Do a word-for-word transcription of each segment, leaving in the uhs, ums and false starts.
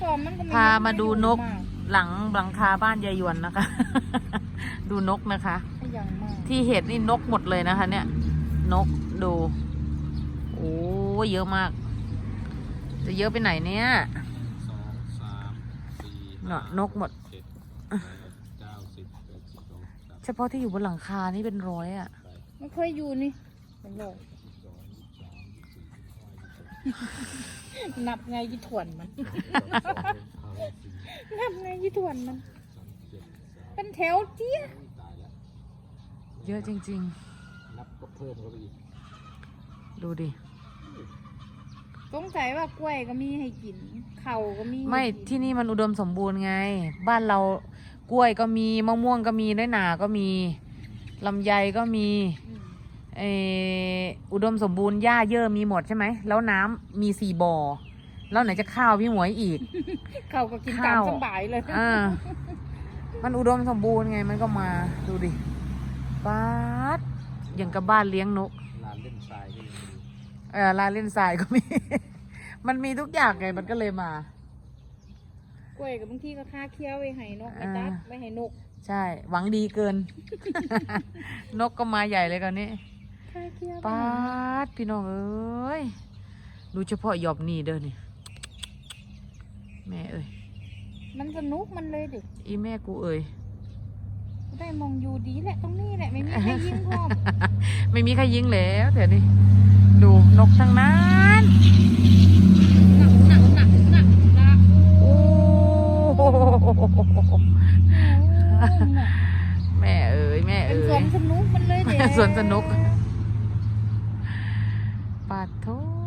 ฟอร์มมันก็พามาดูนกหลังหลังคาบ้านยายหยวนนะคะ ดูนกนะคะ ที่เห็ดนี่นกหมดเลยนะคะ เนี่ยนกดูโอ้เยอะมากจะเยอะไปไหนเนี่ยสองสามสี่เนาะนกหมดเก้าสิบเอ็ดสิบสองเฉพาะที่อยู่บนหลังคานี่เป็นร้อยอ่ะมันเคยอยู่นี่เป็นร้อยนับไงยี่ถวนมันนับไงยี่ถวนมันเป็นแถวเจี๊ยเยอะจริงๆนับก็เพิ่มเข้าไปอีกดูดิสงสัยว่ากล้วยก็มีให้กินเข่าก็มีไม่ที่นี่มันอุดมสมบูรณ์ไงบ้านเรากล้วยก็มีมะม่วงก็มีน้อยหนาก็มีลำไยก็มีเอออุดมสมบูรณ์หญ้าเยอะมีหมดใช่ไหมแล้วน้ำมีสี่บ่อแล้วไหนจะข้าวพี่หมวยอีกข้าวก็กินตามสบายเลยอ่ามันอุดมสมบูรณ์ไงมันก็มาดูดิบ้านอย่างกับบ้านเลี้ยงนกลานเล่นทรายก็มีเออลานเล่นทรายก็มี มันมีทุกอย่างไงมันก็เลยมากล้วยกับบางทีก็ค่าเคี้ยวไว้ให้นกไว้ตัดไว้ให้นกใช่หวังดีเกิน นกก็มาใหญ่เลยกันนี้ป้าดพี่น้องเอ้ยดูเฉพาะหยอบนี่เด้อนี่แม่เอ้ยมันสนุกมันเลยดิอีแม่กูเอ้ยได้มองอยู่ดีแหละตรงนี้แหละไม่มีใครยิงพร้อมไม่มีใครยิงแล้วเดี๋ยวนี้ดูนกทั้งนั้นหนักหนักหนักหนักหนักโอ้แม่เอ้ยแม่เอ้ยเป็นสวนสนุกมันเลยเด็สวนสนุกปาดโถ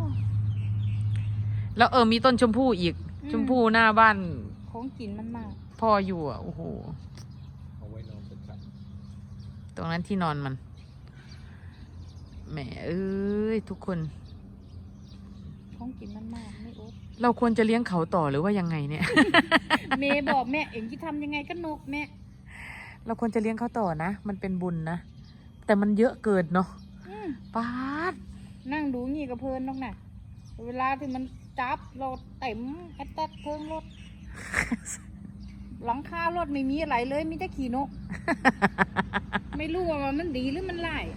แล้วเออมีต้นชมพู่อีกชมพู่หน้าบ้านของกินมันมากพ่ออยู่อ่ะโอ้โหเอาไว้นอนเป็นกันตรงนั้นที่นอนมันแหมเอ้ยทุกคนของกินมันมากไม่อดเราควรจะเลี้ยงเขาต่อหรือว่ายังไงเนี่ยเมย์บอกแม่เอ็งที่ทำยังไงก็นกแม่เราควรจะเลี้ยงเขาต่อนะมันเป็นบุญนะแต่มันเยอะเกินเนาะป๊าดนั่งดูงี้กับเพลินนกน่ะเวลาที่มันจับรถเต็มแอตแทกเทิงรถหลังคารถไม่มีอะไรเลยมีแต่ขี่นก ไม่รู้ว่ามันดีหรือมันไล่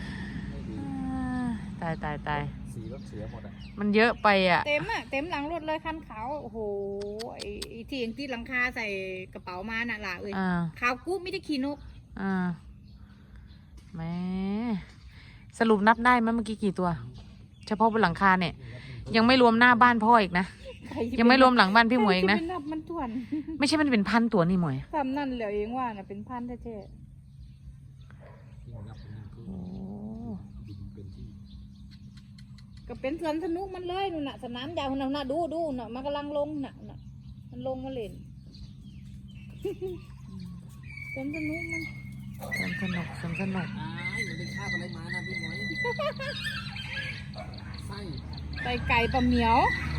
ตายตายตายสีรถเสียหมดอ่ะมันเยอะไปอ่ะเต็มอ่ะเต็มหลังรถเลยคันขาวโอ้โหไอ้ที่เองที่หลังคาใส่กระเป๋ามาน่ะล่ะเอ้ยขาวกู้ไม่ได้ขี่นกอ่าแม่สรุปนับได้ไหมเมื่อกี้กี่ตัวเฉพาะบนหลังคาเนี่ยยังไม่รวมหน้าบ้านพ่ออีกนะยังไม่รวมหลังบ้านพี่หมวยอีกนะไม่ใช่มันเป็นพันตัวนี่หมวยทำนั่นเหลือเองว่าน่ะเป็นพันแท้ๆก็เป็นสวนสนุกมันเลยนู่นน่ะสนามยาวน่ะน่ะดูดูน่ะมันกำลังลงน่ะน่ะมันลงมาเล่นสวนสนุกมันสวนสนุกสวนสนุกอ่าอยู่ในข้าวอะไรมานะพี่หมวยไส้ไส้ไก่ปลาเหมียว